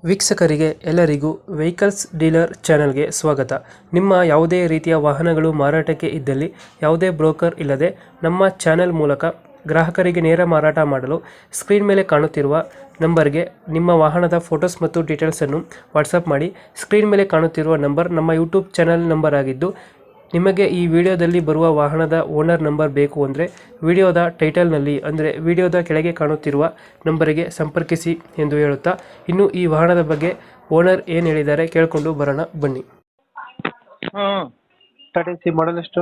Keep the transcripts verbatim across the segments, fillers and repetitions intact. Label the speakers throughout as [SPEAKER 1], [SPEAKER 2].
[SPEAKER 1] ವೀಕ್ಷಕರಿಗೆ ಎಲ್ಲರಿಗೂ vehicles dealer ಚಾನೆಲ್ಗೆ ಸ್ವಾಗತ. ನಿಮ್ಮ ಯಾವುದೇ ರೀತಿಯ ವಾಹನಗಳು ಮಾರಾಟಕ್ಕೆ ಇದ್ದಲ್ಲಿ ಯಾವುದೇ ಬ್ರೋಕರ್ ಇಲ್ಲದೆ ನಮ್ಮ ಚಾನೆಲ್ ಮೂಲಕ ಗ್ರಾಹಕರಿಗೆ ನೇರ ಮಾರಾಟ ಮಾಡಲು ಸ್ಕ್ರೀನ್ ಮೇಲೆ ಕಾಣುತ್ತಿರುವ ನಂಬರ್ಗೆ ನಿಮ್ಮ ವಾಹನದ ಫೋಟೋಸ್ ಮತ್ತು ಡೀಟೇಲ್ಸನ್ನು ವಾಟ್ಸಪ್ ಮಾಡಿ. ಸ್ಕ್ರೀನ್ ಮೇಲೆ ಕಾಣುತ್ತಿರುವ ನಂಬರ್ ನಮ್ಮ ಯೂಟ್ಯೂಬ್ ಚಾನೆಲ್ ನಂಬರ್ ಆಗಿದ್ದು, ನಿಮಗೆ ಈ ವಿಡಿಯೋದಲ್ಲಿ ಬರುವ ವಾಹನದ ಓನರ್ ನಂಬರ್ ಬೇಕು ಅಂದರೆ ವಿಡಿಯೋದ ಟೈಟಲ್ನಲ್ಲಿ ಅಂದರೆ ವಿಡಿಯೋದ ಕೆಳಗೆ ಕಾಣುತ್ತಿರುವ ನಂಬರಿಗೆ ಸಂಪರ್ಕಿಸಿ ಎಂದು ಹೇಳುತ್ತಾ, ಇನ್ನು ಈ ವಾಹನದ ಬಗ್ಗೆ ಓನರ್ ಏನು ಹೇಳಿದ್ದಾರೆ ಕೇಳಿಕೊಂಡು ಬರೋಣ ಬನ್ನಿ.
[SPEAKER 2] ಹಾಂ
[SPEAKER 1] ಟಾಟಾ ಸಿ ಮಾಡಲ್ ಎಷ್ಟು?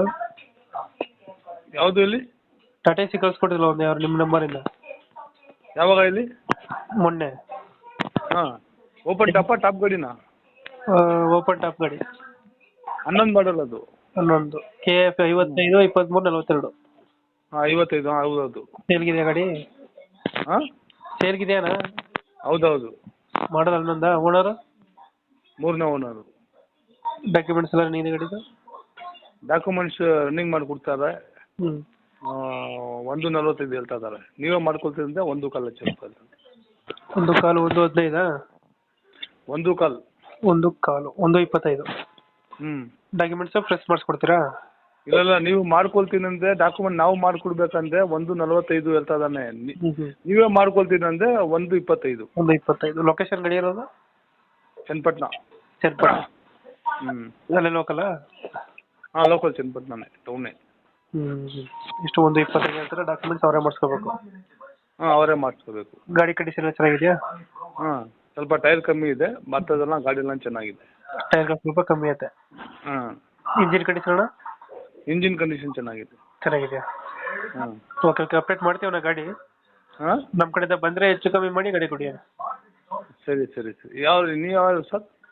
[SPEAKER 2] ಯಾವುದು ಇಲ್ಲಿ?
[SPEAKER 1] ಟಾಟಾ ಸಿ ಕಳಿಸ್ಕೊಟ್ಟಿಲ್ಲ ಒಂದು ಯಾರು ನಿಮ್ಮ ನಂಬರಿಂದ?
[SPEAKER 2] ಯಾವಾಗ ಇಲ್ಲಿ?
[SPEAKER 1] ಮೊನ್ನೆ.
[SPEAKER 2] ಹಾಂ ಓಪನ್ ಟಾಪ ಟಾಪ್ ಗಾಡಿನಾ?
[SPEAKER 1] ಓಪನ್ ಟಾಪ್ ಗಾಡಿ
[SPEAKER 2] ಹನ್ನೊಂದು ಮಾಡಲ್ ಅದು.
[SPEAKER 1] ಹನ್ನೊಂದು ಕೆ ಎಫ್ ಐವತ್ತೈದು ಇಪ್ಪತ್ತ್ಮೂರು ನಲವತ್ತೆರಡು.
[SPEAKER 2] ಹಾಂ ಐವತ್ತೈದು, ಹಾಂ ಹೌದೌದು.
[SPEAKER 1] ಸೇಲ್ಗಿದೆಯಾ ಗಾಡಿ?
[SPEAKER 2] ಹಾಂ
[SPEAKER 1] ಸೇಲ್ಗಿದೆಯಾನ?
[SPEAKER 2] ಹೌದೌದು.
[SPEAKER 1] ಮಾಡಲ್ ಹನ್ನೊಂದ? ಓನರು?
[SPEAKER 2] ಮೂರನೇ ಓನರು.
[SPEAKER 1] ಡಾಕ್ಯುಮೆಂಟ್ಸ್ ಎಲ್ಲ ನೀನು ಗಾಡಿದು?
[SPEAKER 2] ಡಾಕ್ಯುಮೆಂಟ್ಸ್ ರನ್ನಿಂಗ್ ಮಾಡಿ ಕೊಡ್ತಾರೆ.
[SPEAKER 1] ಹ್ಞೂ
[SPEAKER 2] ಒಂದು ನಲ್ವತ್ತೈದು ಹೇಳ್ತಾ ಇದ್ದಾರೆ. ನೀವೇ ಮಾಡ್ಕೊಳ್ತಿದ್ರೆ ಒಂದು ಕಾಲು ಲಕ್ಷ ರೂಪಾಯಿ.
[SPEAKER 1] ಒಂದು ಕಾಲು ಒಂದು ಹದಿನೈದಾ?
[SPEAKER 2] ಒಂದು ಕಾಲು
[SPEAKER 1] ಒಂದು ಕಾಲು ಒಂದು ಇಪ್ಪತ್ತೈದು.
[SPEAKER 2] ಹ್ಞೂ
[SPEAKER 1] ಡಾಕ್ಯುಮೆಂಟ್ಸ್ ಫ್ರೆಶ್ ಮಾಡಿಸ್ಕೊಡ್ತೀರಾ?
[SPEAKER 2] ಇಲ್ಲ ನೀವು ಮಾಡ್ಕೊಳ್ತೀನಿ ಅಂದರೆ ಡಾಕ್ಯುಮೆಂಟ್ ನಾವು ಮಾಡ್ಕೊಡ್ಬೇಕಂದ್ರೆ ಒಂದು ನಲ್ವತ್ತೈದು ಹೇಳ್ತಾ ಇದ್ದಾನೆ.
[SPEAKER 1] ಹ್ಞೂ ಹ್ಞೂ
[SPEAKER 2] ನೀವೇ ಮಾಡ್ಕೊಳ್ತೀನಿ ಅಂದರೆ ಒಂದು ಇಪ್ಪತ್ತೈದು.
[SPEAKER 1] ಒಂದು ಇಪ್ಪತ್ತೈದು. ಲೊಕೇಶನ್ ಗಾಡಿ ಇರೋದು?
[SPEAKER 2] ಚನ್ನಪಟ್ಟಣ.
[SPEAKER 1] ಚನ್ನಪಟ್ಟಣ.
[SPEAKER 2] ಹ್ಞೂ
[SPEAKER 1] ಅಲ್ಲೇ ಲೋಕಲಾ?
[SPEAKER 2] ಹಾಂ ಲೋಕಲ್ ಚನ್ನಪಟ್ಟಣನೇ, ಟೌನೇ.
[SPEAKER 1] ಹ್ಞೂ ಇಷ್ಟು ಒಂದು ಇಪ್ಪತ್ತೈದು ಹೇಳ್ತಾರೆ. ಡಾಕ್ಯುಮೆಂಟ್ಸ್ ಅವರೇ ಮಾಡಿಸ್ಕೋಬೇಕು?
[SPEAKER 2] ಹಾಂ ಅವರೇ ಮಾಡಿಸ್ಕೋಬೇಕು.
[SPEAKER 1] ಗಾಡಿ ಕಂಡೀಷನ್ ಎಲ್ಲ ಚೆನ್ನಾಗಿದೆಯಾ?
[SPEAKER 2] ಹಾಂ ಸ್ವಲ್ಪ ಟೈರ್ ಕಮ್ಮಿ ಇದೆ, ಮತ್ತದೆಲ್ಲ ಗಾಡಿ ಎಲ್ಲ ಚೆನ್ನಾಗಿದೆ.
[SPEAKER 1] ಟೈರ್ ಸ್ವಲ್ಪ ಕಮ್ಮಿ ಐತೆ.
[SPEAKER 2] ಹಾಂ
[SPEAKER 1] ಇಂಜಿನ್ ಕಂಡೀಷನ್ ಅಣ್ಣ?
[SPEAKER 2] ಇಂಜಿನ್ ಕಂಡೀಷನ್ ಚೆನ್ನಾಗಿದೆ.
[SPEAKER 1] ಚೆನ್ನಾಗಿದೆಯಾ?
[SPEAKER 2] ಹಾಂ
[SPEAKER 1] ಓಕೆ ಓಕೆ ಅಪ್ಡೇಟ್ ಮಾಡ್ತೀವಣ್ಣ ಗಾಡಿ.
[SPEAKER 2] ಹಾಂ
[SPEAKER 1] ನಮ್ಮ ಕಡೆಯಿಂದ ಬಂದರೆ ಹೆಚ್ಚು ಕಮ್ಮಿ ಮಾಡಿ ಗಾಡಿ ಕೊಡಿ.
[SPEAKER 2] ಸರಿ ಸರಿ ಸರಿ. ಯಾವ ನೀವು ಯಾವ ಸರ್?